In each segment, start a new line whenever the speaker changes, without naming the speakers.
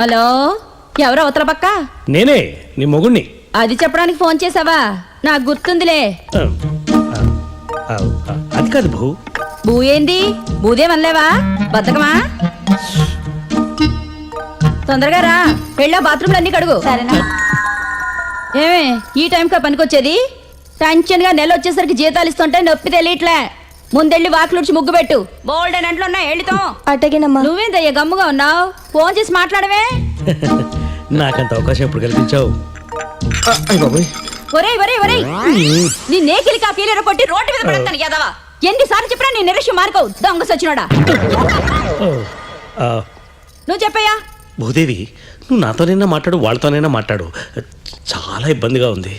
Hello, ఎవరు అవతల పక్క?
నేనే నీ మొగుణ్ణి.
అది చెప్పడానికి ఫోన్ చేసావా? నాకు గుర్తుందిలే.
అది కాదు భూ.
బూ ఏంది? బూదేమనలేవా? బతకమా? తొందరగా రా, వెళ్ళా బాత్రూమ్లు అన్ని కడుగు. సరేనా? ఏమే ఈ టైంకా పనికొచ్చేది? టెన్షన్ గా నెల వచ్చేసరికి జీతాలు ఇస్తుంటే నొప్పి తెలియట్లే. ముందెళ్ళి వాకిలుడ్చి ముగ్గు పెట్టు. బోల్డ్ అని అంట్లో ఉన్నాయి, వెళ్ళితో.
అటగినమ్మా.
నువ్వేందయ్యా గమ్ముగా ఉన్నావు? ఫోన్ చేసి మాట్లాడవే.
నాకంత అవకాశం ఎప్పుడు కల్పించావు?
ఒరేయ్ ఒరేయ్ ఒరేయ్, నీ నేకిలి కాఫీలు కొట్టి రోడ్డు మీద పడతాను యాదవా. ఎన్నిసార్లు చెప్పినా నీ నిరక్ష్యం మార్కవు, దొంగ సచ్చినోడా. నువ్వు చెప్పయ్యా.
భూదేవి, నువ్వు నాతోనైనా మాట్లాడు, వాళ్ళతోనైనా మాట్లాడు. చాలా ఇబ్బందిగా ఉంది.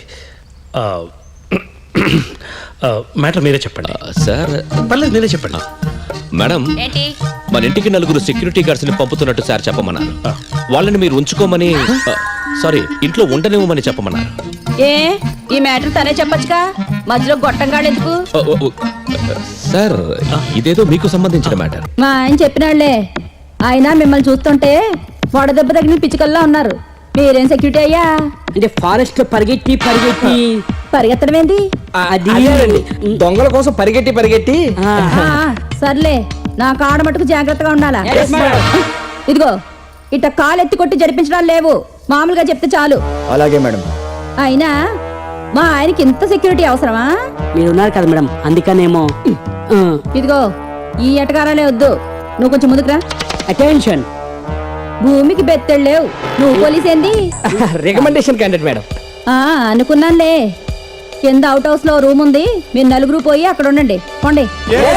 మ్యాటర్ మీరే చెప్పండి.
సార్
పర్లేదు, మీరే చెప్పండి.
మేడం,
ఏంటి?
మన ఇంటికి 4 సెక్యూరిటీ గార్డ్స్ ని పంపుతున్నట్టు సార్ చెప్పమన్నారు. వాళ్ళని మీరు ఉంచుకోమని, సారీ, ఇంట్లో ఉండనివ్వమని చెప్పమన్నారు.
ఏ ఈ మ్యాటర్ తనే చెప్పొచ్చుగా, మధ్యలో గొట్టంగాడు ఎందుకు?
సార్, ఇదేదో మీకు సంబంధించిన మ్యాటర్.
మా ఆయన చెప్పినాళ్లే. ఆయన మిమ్మల్ని చూస్తుంటే వడదెబ్బ తగిన పిచ్చుకల్లా ఉన్నారు. మీరేం సెక్యూరిటీ అయ్యా?
అంటే ఫారెస్ట్ పరిగెట్టి
పరిగెత్తడం ఏంది?
అది
దొంగల కోసం పరిగెట్టి
సర్లే, నా కాడ మటుకు జాగ్రత్తగా ఉండాలా. ఇదిగో ఇట్ట కాలు ఎత్తి కొట్టి జరిపించడాలు లేవు, మామూలుగా చెప్తే చాలు.
అలాగే మేడం.
అయినా మా ఆయనకి ఇంత సెక్యూరిటీ అవసరమా?
మీరు ఉన్నారు కదా మేడం, అందుకనేమో.
ఇదిగో ఈ ఎటకారాలే వద్దు, నువ్వు కొంచెం ముందుకురా.
అటెన్షన్.
భూమికి బెత్తెళ్ళు లేవు, నువ్వు పోలీస్ ఏంది?
Recommendation candidate madam.
అనుకున్నానులే. కింద అవుట్ హౌస్ లో రూమ్ ఉంది, మీరు 4 పోయి అక్కడ ఉండండి. పోండి.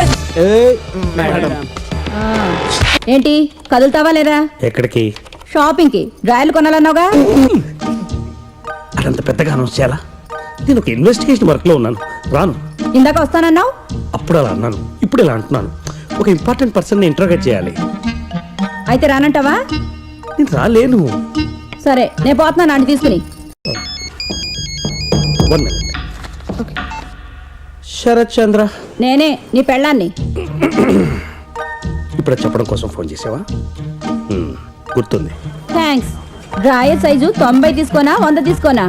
ఏంటి కదులుతావా లేదా?
ఎక్కడికి?
షాపింగ్ కి. డ్రాయలు కొనాలన్నావుగా.
అదంత పెద్దగా అనౌన్స్ చేయాలా? నేను ఒక ఇన్వెస్టిగేషన్ వర్క్ లో ఉన్నాను, రాను.
ఇందాక వస్తానన్నావు.
అప్పుడు అలా అన్నాను, ఇప్పుడు ఇలా అంటున్నాను. ఒక ఇంపార్టెంట్ పర్సన్ ని ఇంట్రోగేట్ చేయాలి.
అయితే రానంటావా?
నేను రాలేను.
సరే, నేను పోతున్నాను ఆంటీ తీసుకుని.
1 minute. శరత్ చంద్ర,
నేనే నీ పెళ్ళాన్ని.
ఇప్పుడు చెప్పడం కోసం ఫోన్ చేసావా? గుర్తుంది.
థ్యాంక్స్. డ్రాయర్ సైజు 90 తీసుకోనా 100 తీసుకోనా?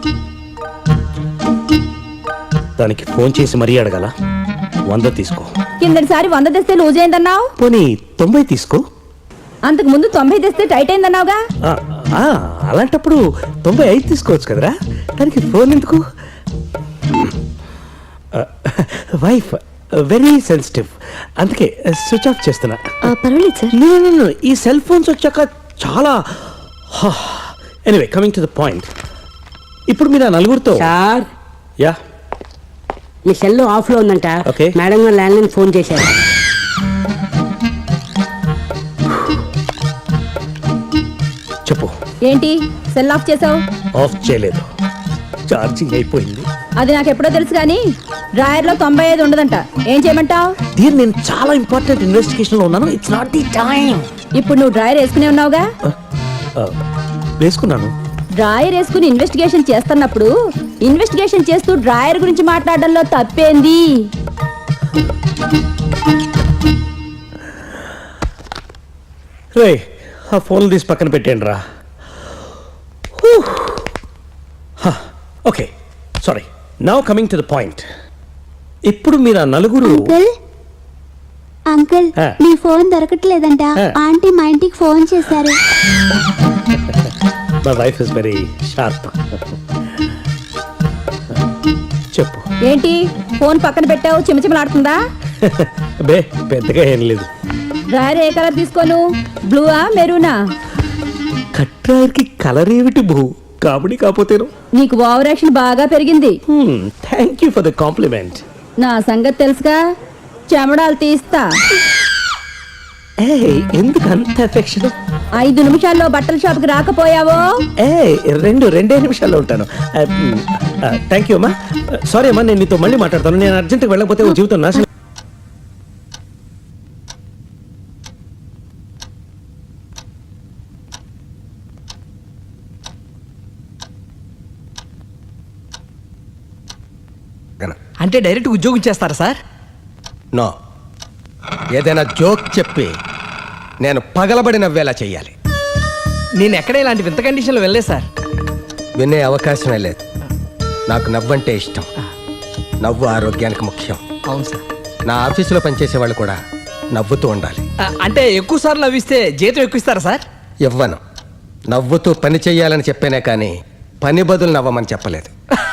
దానికి ఫోన్ చేసి మరీ అడగాల? 100 తీసుకో.
కిందటిసారి 100 తెస్తే లూజ్ అయిందన్నావు.
పోనీ 90 తీసుకో.
అంతకు ముందు 90 తెస్తే టైట్ అయిందన్నావుగా.
అలాంటప్పుడు 95 తీసుకోవచ్చు కదరా, దానికి ఫోన్ ఎందుకు? వైఫ్ వెరీ సెన్సిటివ్, అందుకే స్విచ్ ఆఫ్ చేస్తున్నా.
పర్వాలేదు సార్.
నేను ఈ సెల్ ఫోన్స్ వచ్చాక చాలా. Anyway, coming to the point. ఇప్పుడు మీరు 4
సార్,
యా,
మీ సెల్ ఆఫ్ లో ఉందంట.
Okay.
మేడం గారు ల్యాండ్ లైన్ ఫోన్ చేశారు.
చెప్పు.
ఏంటి సెల్ ఆఫ్ చేసావు?
ఆఫ్ చేయలేదు, ఛార్జింగ్ అయిపోయింది.
అది నాకు ఎప్పుడో తెలుసు కానీ డ్రాయర్ లో 95 ఉండదంట. ఏం చేయమంటావు?
దీన్ని నేను చాలా ఇంపార్టెంట్ ఇన్వెస్టిగేషన్ లో ఉన్నాను. It's not the time.
ఇప్పుడు నువ్వు డ్రాయర్ వేసుకునే ఉన్నావుగా.
వేసుకున్నాను.
డ్రాయర్ వేసుకుని ఇన్వెస్టిగేషన్ చేస్తున్నప్పుడు ఇన్వెస్టిగేషన్ చేస్తూ డ్రాయర్ గురించి మాట్లాడడంలో తప్పేంది?
రే, ఆ ఫోన్లు తీసి పక్కన పెట్టేయండి రా. Okay, sorry. Now coming to the point. ఇప్పుడు మీరు ఆ 4.
అంకుల్ మీ ఫోన్ దొరకట్లేదంట. ఆంటీ మా ఇంటికి ఫోన్ చేశారు.
My wife is very sharp. చెప్పు.
ఏంటి ఫోన్ పక్కన పెట్టావు? చిమచిమలాడుతుందా?
బే, పెద్దగా ఏం లేదు.
డ్రాయర్ ఏ కలర్ తీసుకోను? బ్లూవా మెరూనా?
కట్రాయర్కి కలర్ ఏమిటి భూ? కాబడి కాకపోతేను.
నీకు ఓవర్ యాక్షన్ బాగా పెరిగింది.
Thank you for the compliment.
నా సంగతి తెలుసుగా, చెమడాలు తీస్తా.
ఎందుకు అంత ఎఫెక్షన్?
5 నిమిషాల్లో బట్టల షాప్కి రాకపోయావో
2 నిమిషాల్లో ఉంటాను. థ్యాంక్ యూ అమ్మా. సారీ అమ్మా, నేను నీతో మళ్ళీ మాట్లాడతాను. నేను అర్జెంట్గా వెళ్ళకపోతే ఓ జీవితం నాశనం.
అంటే డైరెక్ట్ ఉద్యోగం చేస్తారా సార్?
నో, ఏదైనా జోక్ చెప్పి నేను పగలబడి నవ్వేలా చెయ్యాలి.
నేను ఎక్కడ ఇలాంటి వింత కండిషన్లో వెళ్ళలేదు సార్.
వినే అవకాశమే లేదు. నాకు నవ్వంటే ఇష్టం. నవ్వు ఆరోగ్యానికి ముఖ్యం.
అవును సార్.
నా ఆఫీసులో పనిచేసే వాళ్ళు కూడా నవ్వుతూ ఉండాలి.
అంటే ఎక్కువ సార్లు నవ్విస్తే జీతం ఎక్కువ ఇస్తారా సార్?
ఇవ్వను. నవ్వుతూ పని చెయ్యాలని చెప్పానే కానీ పని బదులు నవ్వమని చెప్పలేదు.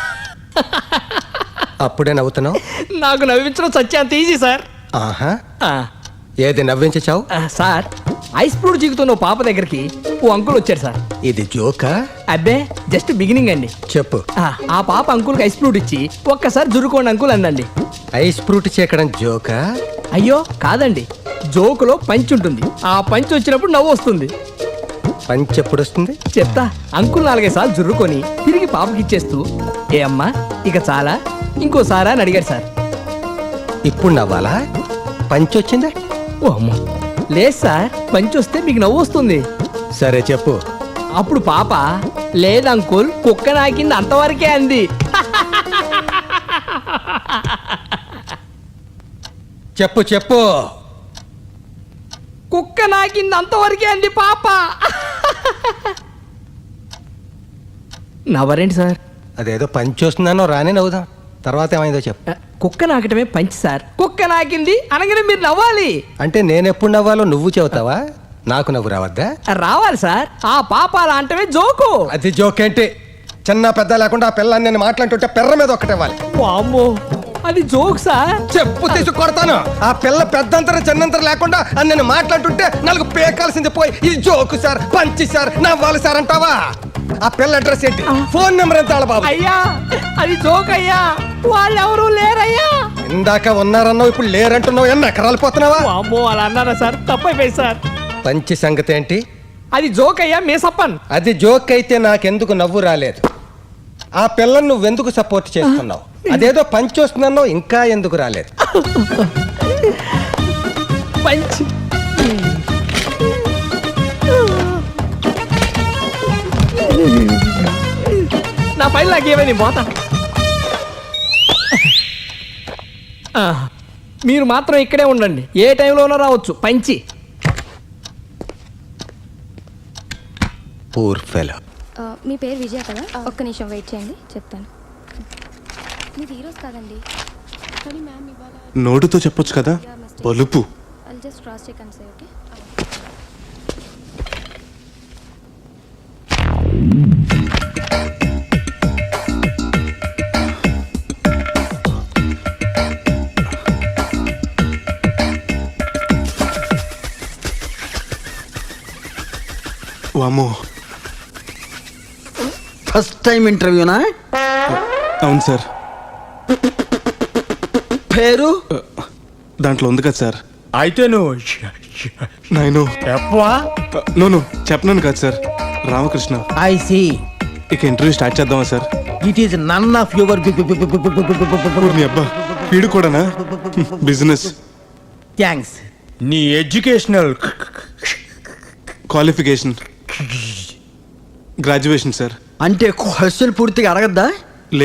అప్పుడే నవ్వుతున్నావు.
నాకు నవ్వించడం సత్యాంత ఈజీ సార్.
ఆహా,
ఆ,
ఏది నవ్వించావు?
సార్ ఐస్ ఫ్రూట్ జీగుతున్న ఓ పాప దగ్గరికి ఓ అంకుల్ వచ్చాడు సార్.
ఇది జోకా?
అబ్బే జస్ట్ బిగినింగ్ అండి.
చెప్పు.
ఆ పాప అంకుల్కి ఐస్ ఫ్రూట్ ఇచ్చి ఒక్కసారి జురుకోండి అంకుల్ అందండి.
ఐస్ ఫ్రూట్ చేకడం జోకా?
అయ్యో కాదండి, జోకులో పంచ్ ఉంటుంది. ఆ పంచ్ వచ్చినప్పుడు నవ్వు వస్తుంది.
పంచి ఎప్పుడు వస్తుంది?
చెప్తా. అంకుల్ 4-5 సార్లు జుర్రుకొని తిరిగి పాపకి ఇచ్చేస్తూ ఏ అమ్మా ఇక చాలా ఇంకోసారా అని అడిగాడు సార్.
ఇప్పుడు నవ్వాలా? పంచి వచ్చిందా?
ఓ అమ్మో లేదు సార్, పంచ్ వస్తే మీకు నవ్వు వస్తుంది.
సరే చెప్పు.
అప్పుడు పాప లేదు అంకుల్ కుక్క నాకింది అంతవరకే అంది.
చెప్పు చెప్పు.
కుక్క నాకింది అంతవరకే అంది పాప. నవ్వరేంటి సార్?
అదేదో పంచి వస్తుందనో రానే నవ్వుదాం. తర్వాత ఏమైందో చెప్పు.
కుక్క నాకటమే పంచి సార్. కుక్క నాకింది అనగానే మీరు నవ్వాలి.
అంటే నేనెప్పుడు నవ్వాలో నువ్వు చెబుతావా? నాకు నవ్వు రావద్దా?
రావాలి సార్. ఆ పాప అలా అంటమే జోకు.
అది జోకేంటి? చిన్న పెద్ద లేకుండా ఆ పిల్లని నేను మాట్లాడుతుంటే పెర్ర మీద ఒక్కటేవాలి.
వామ్మో అది జోక్ సార్.
చెప్పు తీసి కొడతాను. ఆ పిల్ల పెద్దంతరం చిన్నంతరం లేకుండా అని నేను మాట్లాడుతుంటే నాకు పేకాల్సింది పోయి ఇది జోకు సార్, పంచి సార్, నవ్వాలి సార్ అంటావా? ఆ పిల్ల అడ్రస్ ఏంటి? ఫోన్ నెంబర్ ఎంత బాబు?
అయ్యా అది జోక్ అయ్యా, వాళ్ళు ఎవరు లేరయ్యా.
ఇందాక ఉన్నారన్నావు, ఇప్పుడు లేరంటున్నావు. ఎన్ని ఎకరాలు పోతున్నావా?
వామ్మో అలా అన్నారా సార్? తప్పైపోయి సార్.
పంచి సంగతి ఏంటి?
అది జోక్ అయ్యా మేసప్పన్.
అది జోక్ అయితే నాకెందుకు నవ్వు రాలేదు? ఆ పిల్లని నువ్వెందుకు సపోర్ట్ చేస్తున్నావు? అదేదో పంచి వస్తుందన్నావు, ఇంకా ఎందుకు రాలేదు?
పంచ్ నా పైన నాకేమైంది పోతా. మీరు మాత్రం ఇక్కడే ఉండండి, ఏ టైంలోనో రావచ్చు పంచి.
Poor fellow.
మీ పేరు విజయ కదా? ఒక్క నిమిషం వెయిట్ చేయండి, చెప్తాను. మీది ఈరోజు కాదండి, కానీ మ్యామ్ ఇవాళ.
నోటుతో చెప్పొచ్చు కదా, బలుపు.
I'll just cross check and say, okay?
వామో,
ఫస్ట్ టైం ఇంటర్వ్యూనా?
అవును సార్.
పేరు
దాంట్లో ఉంది కదా సార్.
అయితే నువ్వు
నేను
చెప్పవా?
నోను చెప్పనాను కదా సార్. రామకృష్ణ.
I see.
ఇక ఇంటర్వ్యూ స్టార్ట్ చేద్దామా sir?
It is none of your
మీ అబ్బా వీడు కూడానా? బిజినెస్.
థ్యాంక్స్. నీ ఎడ్యుకేషనల్
క్వాలిఫికేషన్ గ్రాడ్యుయేషన్ సార్.
అంటే క్వశ్చన్ పూర్తిగా అడగద్దా?